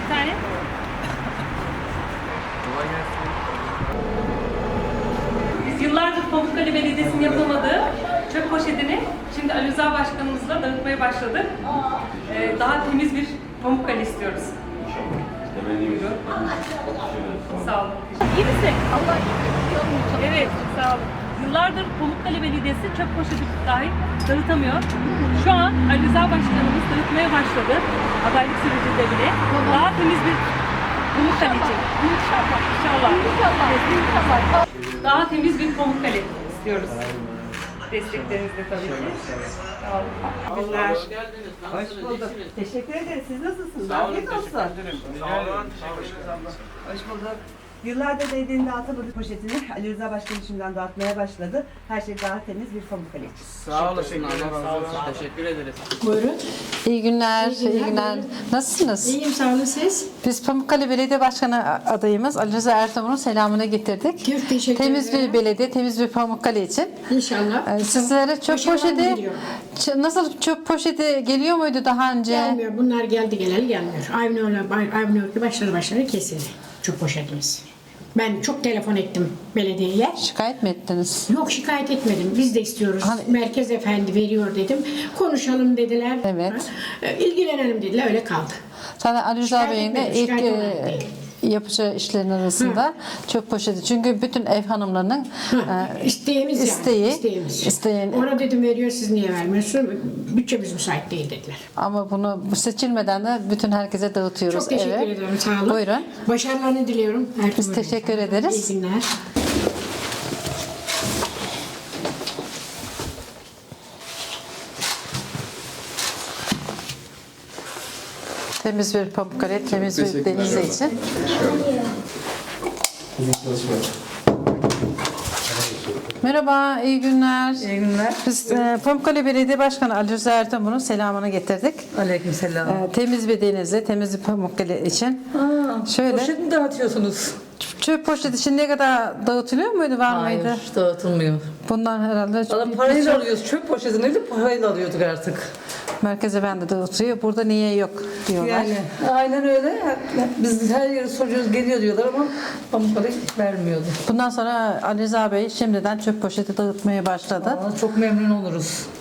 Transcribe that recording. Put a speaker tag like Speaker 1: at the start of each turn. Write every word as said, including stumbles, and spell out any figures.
Speaker 1: tane. Biz yıllardır Pamukkale Belediyesi'nin yapamadığı çöp poşetini şimdi Ali Rıza Başkanımızla dağıtmaya başladık. Ee, daha temiz bir Pamukkale istiyoruz. Buyurun. Sağ olun. İyi misin? Allah Evet, sağ olun. Yıllardır Pamukkale Belediyesi çöp poşeti dahi dağıtamıyor. Şu an Ali Rıza Başkanımız dağıtmaya başladı. Adaylık sürecinde bile. Daha temiz bir Pamukkale için. İnşallah. İnşallah. İnşallah. Daha temiz bir Pamukkale istiyoruz. Desteklerinizle tabii ki. Sağ olun.
Speaker 2: Günler. Hoş bulduk. Teşekkür ederiz. Siz nasılsınız? Afiyet olsun.
Speaker 3: Sağ olun.
Speaker 2: Hoş bulduk. Yıllardır belediyenin dağıtamadığı poşetini Ali Rıza Başkanım şimdiden dağıtmaya başladı. Her şey daha temiz bir Pamukkale için.
Speaker 3: Sağ olasın. Allah razı olsun. Teşekkür ederiz.
Speaker 4: Buyurun.
Speaker 5: İyi günler, iyi
Speaker 4: İyi
Speaker 5: günler.
Speaker 4: günler.
Speaker 5: Nasılsınız?
Speaker 4: İyiyim, sağ olun siz.
Speaker 5: Biz Pamukkale Belediye Başkanı adayımız Ali Rıza Ertuğrul'un selamını getirdik.
Speaker 4: Çok teşekkür
Speaker 5: Temiz
Speaker 4: ederim.
Speaker 5: bir belediye, temiz bir Pamukkale için.
Speaker 4: İnşallah.
Speaker 5: Ee, Sizlere çöp
Speaker 4: Başarılar
Speaker 5: poşeti,
Speaker 4: diliyorum.
Speaker 5: ç- nasıl çöp poşeti geliyor muydu daha önce?
Speaker 4: Gelmiyor. Bunlar geldi geleli gelmiyor. Aynı öyle, aynı öyle başları başları kesildi. Çok poşetimiz. Ben çok telefon ettim belediyeye.
Speaker 5: Şikayet mi ettiniz?
Speaker 4: Yok, şikayet etmedim. Biz de istiyoruz.
Speaker 5: Hani-
Speaker 4: Merkez efendi veriyor dedim. Konuşalım dediler.
Speaker 5: Evet.
Speaker 4: Ha, İlgilenelim dediler. Öyle kaldı.
Speaker 5: Zaten Ali Rıza
Speaker 4: Şikayet
Speaker 5: Bey'in de
Speaker 4: etmedim,
Speaker 5: ilk
Speaker 4: şikayet olarak
Speaker 5: e,
Speaker 4: değil.
Speaker 5: yapacağı işlerin arasında çöp poşeti. Çünkü bütün ev hanımlarının e,
Speaker 4: İsteğimiz
Speaker 5: isteği,
Speaker 4: yani. İsteğimiz.
Speaker 5: isteğin-
Speaker 4: Ona dedim veriyor, siz niye vermiyorsun? Bütçemiz müsait değil dediler.
Speaker 5: ama bunu bu seçilmeden de bütün herkese dağıtıyoruz.
Speaker 4: Çok teşekkür
Speaker 5: eve.
Speaker 4: ederim. Sağ olun.
Speaker 5: Buyurun.
Speaker 4: Başarılarını diliyorum. Her
Speaker 5: Biz
Speaker 4: türlü.
Speaker 5: teşekkür ederiz.
Speaker 4: İyi günler.
Speaker 5: Temiz bir Pamukkale, temiz bir Denizli için. Merhaba, iyi günler.
Speaker 6: İyi günler.
Speaker 5: Biz e, Pamukkale Belediye Başkanı Ali Rıza Ertuğrul'un selamını getirdik.
Speaker 6: Aleykümselam.
Speaker 5: E, temiz bir Denizli, temiz bir Pamukkale için.
Speaker 6: Aa,
Speaker 5: Şöyle.
Speaker 6: Poşet mi dağıtıyorsunuz?
Speaker 5: Çöp poşeti şimdiye kadar dağıtılıyor muydu, var
Speaker 6: Hayır,
Speaker 5: mıydı?
Speaker 6: dağıtılmıyor.
Speaker 5: Bundan herhalde
Speaker 6: Valla
Speaker 5: bir-
Speaker 6: parayla
Speaker 5: bir-
Speaker 6: alıyoruz. Çöp poşetini de parayla alıyorduk artık.
Speaker 5: Merkez Efendi dağıtıyor. Burada niye yok diyorlar.
Speaker 6: Yani aynen öyle. Biz her yere soruyoruz, geliyor diyorlar ama Pamukkale hiç vermiyordu.
Speaker 5: Bundan sonra Ali Rıza Bey şimdiden çöp poşeti dağıtmaya başladı.
Speaker 6: Aa, çok memnun oluruz.